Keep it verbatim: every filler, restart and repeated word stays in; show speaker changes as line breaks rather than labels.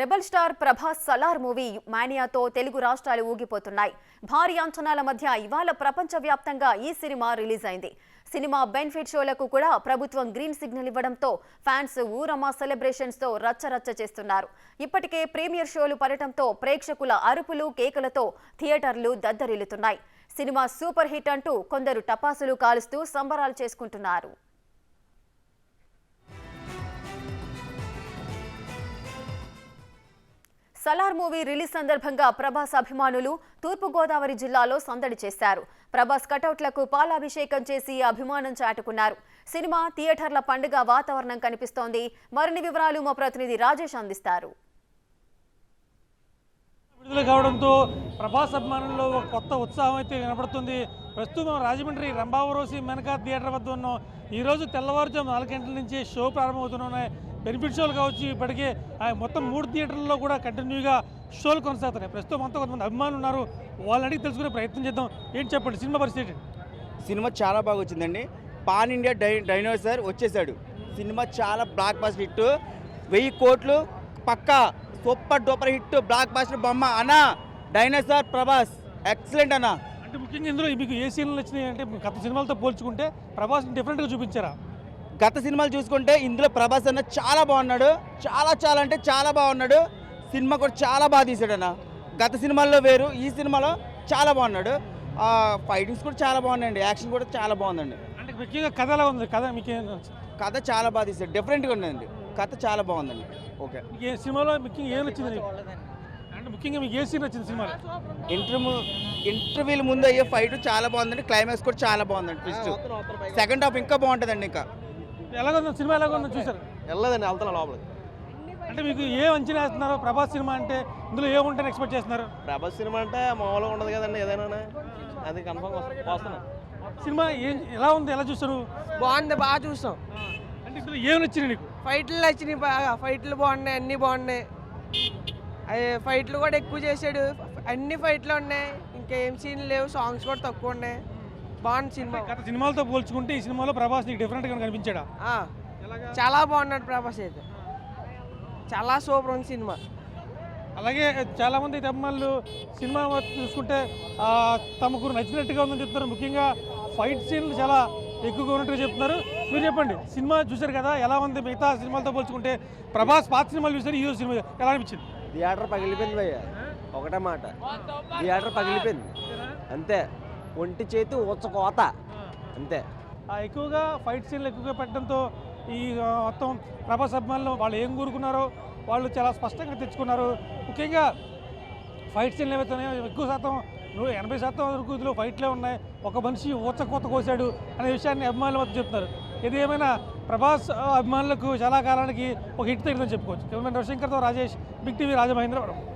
Rebel star Prabhas Salaar movie మానియాతో తెలుగు రాష్ట్రాలు ఊగిపోతున్నాయి. భారీ అంచనాల మధ్య ఇవాళ ప్రపంచవ్యాప్తంగా ఈ సినిమా రిలీజ్ అయింది. సినిమా బెనిఫిట్ షోలకు కూడా ప్రభుత్వం గ్రీన్ సిగ్నల్ ఇవ్వడంతో ఫ్యాన్స్ ఊరమా సెలబ్రేషన్స్ తో రచ్చరచ్చ చేస్తున్నారు. ఇప్పటికే ప్రీమియర్ షోలు పడటంతో ప్రేక్షకుల అరుపులు కేకలతో థియేటర్లు దద్దరిల్లుతున్నాయి. సినిమా సూపర్ హిట్ అంటూ కొందరు టపాసులు కాలుస్తూ సంబరాలు చేసుకుంటున్నారు. సలార్ మూవీ రిలీజ్ సందర్భంగా ప్రభాస్ అభిమానులు తూర్పు గోదావరి జిల్లాలో సందడి చేశారు. ప్రభాస్ కటౌట్లకు పాలాభిషేకం చేసి అభిమానం చాటుకున్నారు. సినిమా థియేటర్ల పండుగ వాతావరణం కనిపిస్తోంది. మరిన్ని వివరాలు మా ప్రతినిధి రాజేష్ అందిస్తారు.
విడుదల కావడంతో ప్రభాస్ అభిమానుల్లో ఒక కొత్త ఉత్సాహం అయితే కనబడుతుంది. ప్రస్తుతం రాజమండ్రి రంభావరోసి మెనకా థియేటర్ వద్ద ఉన్నాం. ఈరోజు తెల్లవారుజాము నాలుగు గంటల నుంచి షో ప్రారంభమవుతున్నాయి. బెనిఫిట్ షోలు కావచ్చు, ఇప్పటికే మొత్తం మూడు థియేటర్లలో కూడా కంటిన్యూగా షోలు కొనసాగుతున్నాయి. ప్రస్తుతం అంతా కొంతమంది అభిమానులు ఉన్నారు. వాళ్ళని అడిగి తెలుసుకునే ప్రయత్నం చేద్దాం. ఏంటి చెప్పండి సినిమా పరిస్థితి?
సినిమా చాలా బాగా వచ్చిందండి. పాన్ ఇండియా డై డైనోసార్ వచ్చేసాడు. సినిమా చాలా బ్లాక్ బాస్టర్ హిట్, వెయ్యి కోట్లు పక్కా super duper hit, blockbuster బొమ్మ అన్నా. డైనోసార్ ప్రభాస్ ఎక్సలెంట్ అన్న.
అంటే ముఖ్యంగా ఇందులో మీకు ఏ సీన్లు వచ్చినాయి అంటే గత సినిమాలతో పోల్చుకుంటే ప్రభాస్ డిఫరెంట్గా చూపించారా?
గత సినిమాలు చూసుకుంటే ఇందులో ప్రభాస్ అన్న చాలా బాగున్నాడు. చాలా చాలా అంటే చాలా బాగున్నాడు. సినిమా కూడా చాలా బాగా తీసాడు అన్న. గత సినిమాల్లో వేరు, ఈ సినిమాలో చాలా బాగున్నాడు. ఫైటింగ్స్ కూడా చాలా బాగున్నాయండి. యాక్షన్ కూడా చాలా బాగుందండి.
అంటే ముఖ్యంగా కథ ఎలా ఉంది? కథ మీకు
కథ చాలా బాగా తీసాడు, డిఫరెంట్గా ఉందండి. కథ చాలా బాగుందండి. ఓకే,
ఏ సినిమాలో ముఖ్యంగా ఏం నచ్చింది? అంటే ముఖ్యంగా మీకు ఏ సీన్ నచ్చింది సినిమాలో?
ఇంటర్వ్యూ ఇంటర్వ్యూల ముందు అయ్యే ఫైట్ చాలా బాగుందండి. క్లైమాక్స్ కూడా చాలా బాగుందండి. ట్విస్ట్ సెకండ్ హాఫ్ ఇంకా బాగుంటుందండి. ఇంకా
ఎలాగొందో సినిమా ఎలాగొందో చూసారు?
వెళ్ళదండి, వెళ్తున్నా లోపలికి.
అంటే మీకు ఏం అంచనా వేస్తున్నారు? ప్రభాస్ సినిమా అంటే ఇందులో ఏముంటారని ఎక్స్పెక్ట్ చేస్తున్నారు?
ప్రభాస్ సినిమా అంటే మామూలుగా ఉండదు కదండి, ఏదైనా అది కన్ఫర్మ్ వస్తున్నాం.
సినిమా ఏం ఎలా ఉంది, ఎలా చూస్తారు?
బాగుంది, బాగా చూస్తాం.
అంటే ఇందులో ఏం నచ్చింది నీకు?
ఫైట్లు నచ్చినాయి బాగా. ఫైట్లు బాగున్నాయి, అన్నీ బాగున్నాయి. అవి ఫైట్లు కూడా ఎక్కువ చేశాడు. అన్ని ఫైట్లు ఉన్నాయి, ఇంకేం సీన్లు లేవు. సాంగ్స్ కూడా తక్కువ ఉన్నాయి. బాగుంది సినిమా.
గత సినిమాలతో పోల్చుకుంటే ఈ సినిమాలో ప్రభాస్ నీకు డిఫరెంట్గా కనిపించాడా?
చాలా బాగున్నాడు ప్రభాస్ అయితే. చాలా సూపర్ ఉంది సినిమా.
అలాగే చాలామంది అభిమానులు సినిమా చూసుకుంటే తమకు నచ్చినట్టుగా ఉందని చెప్తున్నారు. ముఖ్యంగా ఫైట్ సీన్లు చాలా ఎక్కువగా ఉన్నట్టుగా చెప్తున్నారు. మీరు చెప్పండి, సినిమా చూశారు కదా, ఎలా ఉంది? మిగతా సినిమాలతో పోల్చుకుంటే ప్రభాస్ పాత సినిమాలు చూసారు, ఈ సినిమా ఎలా అనిపించింది?
థియేటర్ పగిలిపోయింది భయ్య, ఒకటే మాట, థియేటర్ పగిలిపోయింది అంతే. ఒంటి చేతి ఉచ్చ కోత అంతే.
ఎక్కువగా ఫైట్ సీన్లు ఎక్కువగా పెట్టడంతో ఈ మొత్తం ప్రభాస్ అభిమానులు వాళ్ళు ఏం కోరుకున్నారో వాళ్ళు చాలా స్పష్టంగా తెచ్చుకున్నారు. ముఖ్యంగా ఫైట్ సీన్లు ఏవైతున్నాయో ఎక్కువ శాతం నూట ఎనభై శాతం వరకు ఇందులో ఫైట్లే ఉన్నాయి. ఒక మనిషి ఊచ కోత కోసాడు అనే విషయాన్ని అభిమానుల వద్ద చెప్తున్నారు. ఇది ఏమైనా ప్రభాస్ అభిమానులకు చాలా కాలానికి ఒక హిట్ తగ్గిందని చెప్పుకోవచ్చు. కెమెరామెన్ రవిశంకర్తో రాజేష్, బిగ్ టీవీ, రాజమహేంద్రవరం.